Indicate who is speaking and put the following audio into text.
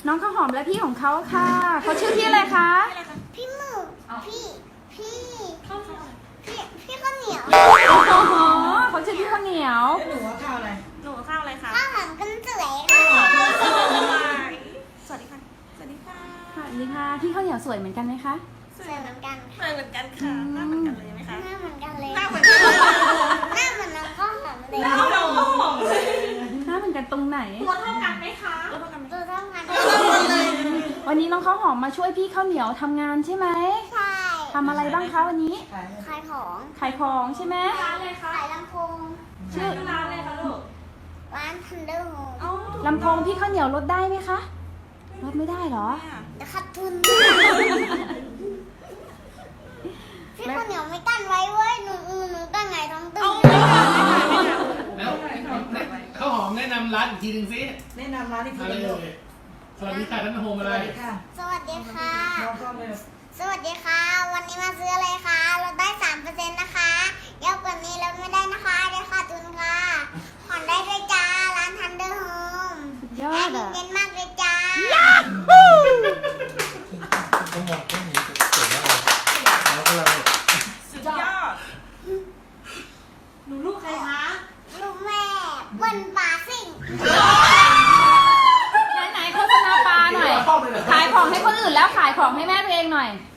Speaker 1: น้องข้าวหอมและพี่ของเขาค่ะเขาชื่อพี่อะไรคะ
Speaker 2: พี่หมึกพี่ข้าวเหนียว
Speaker 1: โอ้โหเขาชื่อพี่ข้าวเหนียว
Speaker 3: หนูว่าข้าวอะไร
Speaker 4: หนูข้าวอะไรคะ
Speaker 2: ข้าวหอมกันสวยค่ะ
Speaker 4: สวัสดีค่ะ สวัสดีค่ะ
Speaker 1: สวัสดีค่ะพี่ข้าวเหนียวสวยเหมือนกันไหมคะ
Speaker 2: สวยเหมือนกัน
Speaker 4: เหมือนกันค่ะ หน้าเหมือนกันเลยไหมคะ
Speaker 2: หน้าเหมือนกันเลย
Speaker 4: หน้าเหมือนกันเลย
Speaker 2: หน้าเหมือนน้องข้าวหอมเลย
Speaker 4: หน้าเหมือนข้าวหอมเลย
Speaker 1: หน้าเหมือนกันตรงไหน
Speaker 4: ตัวเท่ากันไหมคะตัวเท่ากันไหม
Speaker 2: ตัวเท่ากัน
Speaker 1: วันนี้น้องข้าวหอมมาช่วยพี่ข้าวเหนียวทำงานใช่ไหม
Speaker 2: ใช่
Speaker 1: ทำอะไรบ้างคะวันนี้
Speaker 3: ขาย
Speaker 2: ขายของ
Speaker 1: ขายของใช่ไหม
Speaker 4: ร้านเลยค่ะ
Speaker 2: ขายลำโพง
Speaker 1: ชื่อ
Speaker 4: ร้านเลยค่ะลูก
Speaker 2: ร้านทันเดอร์โฮม
Speaker 4: เอ้า
Speaker 1: ลำโพงพี่ข้าวเหนียวลดได้ไหมคะลดไม่ได้เหรอ
Speaker 2: เดี๋ยวขาดทุนพี่ข้าวเหนียวไม่กั้นไว้เว้ยหนูกั้นไงท้องตึง
Speaker 5: แล้วข้าวหอมแนะนำร้านอีกทีหนึ่งสิ
Speaker 3: แนะนำร้านที่
Speaker 5: มา
Speaker 3: คุณ
Speaker 5: เล
Speaker 3: เลย
Speaker 5: ยสวัสดีค่ะท่านโฮม
Speaker 3: ส
Speaker 5: อะไร
Speaker 3: วัสดีค่ะ
Speaker 2: สวัสดีค่ะ
Speaker 3: น้องก็เลย
Speaker 2: สวัสดีค่ะ วันนี้มาซื้ออะไรคะลดได้ 3%นะคะเยอะกว่านี้ลดไม่ได้นะคะเดี๋ยวขาดทุนค่ะผ่อนได้ด้วยจ้า ร้านทันเดอร์โฮม
Speaker 1: สุดยอ
Speaker 2: แอ
Speaker 1: ด
Speaker 2: ดมิน
Speaker 1: อ่ะ
Speaker 2: เน้นมากเลยจ้า
Speaker 6: ต้องมองต้องมีเก่งมากเลยแล้วก็เรา
Speaker 4: สุดยอด
Speaker 3: หนูลูกใครคะ
Speaker 2: ลูกแม่เปิ้ลปาซิ่ง
Speaker 1: ไหนๆโฆษณาปลาหน่อย ขายของให้คนอื่นแล้วขายของให้แม่ตัวเองหน่อย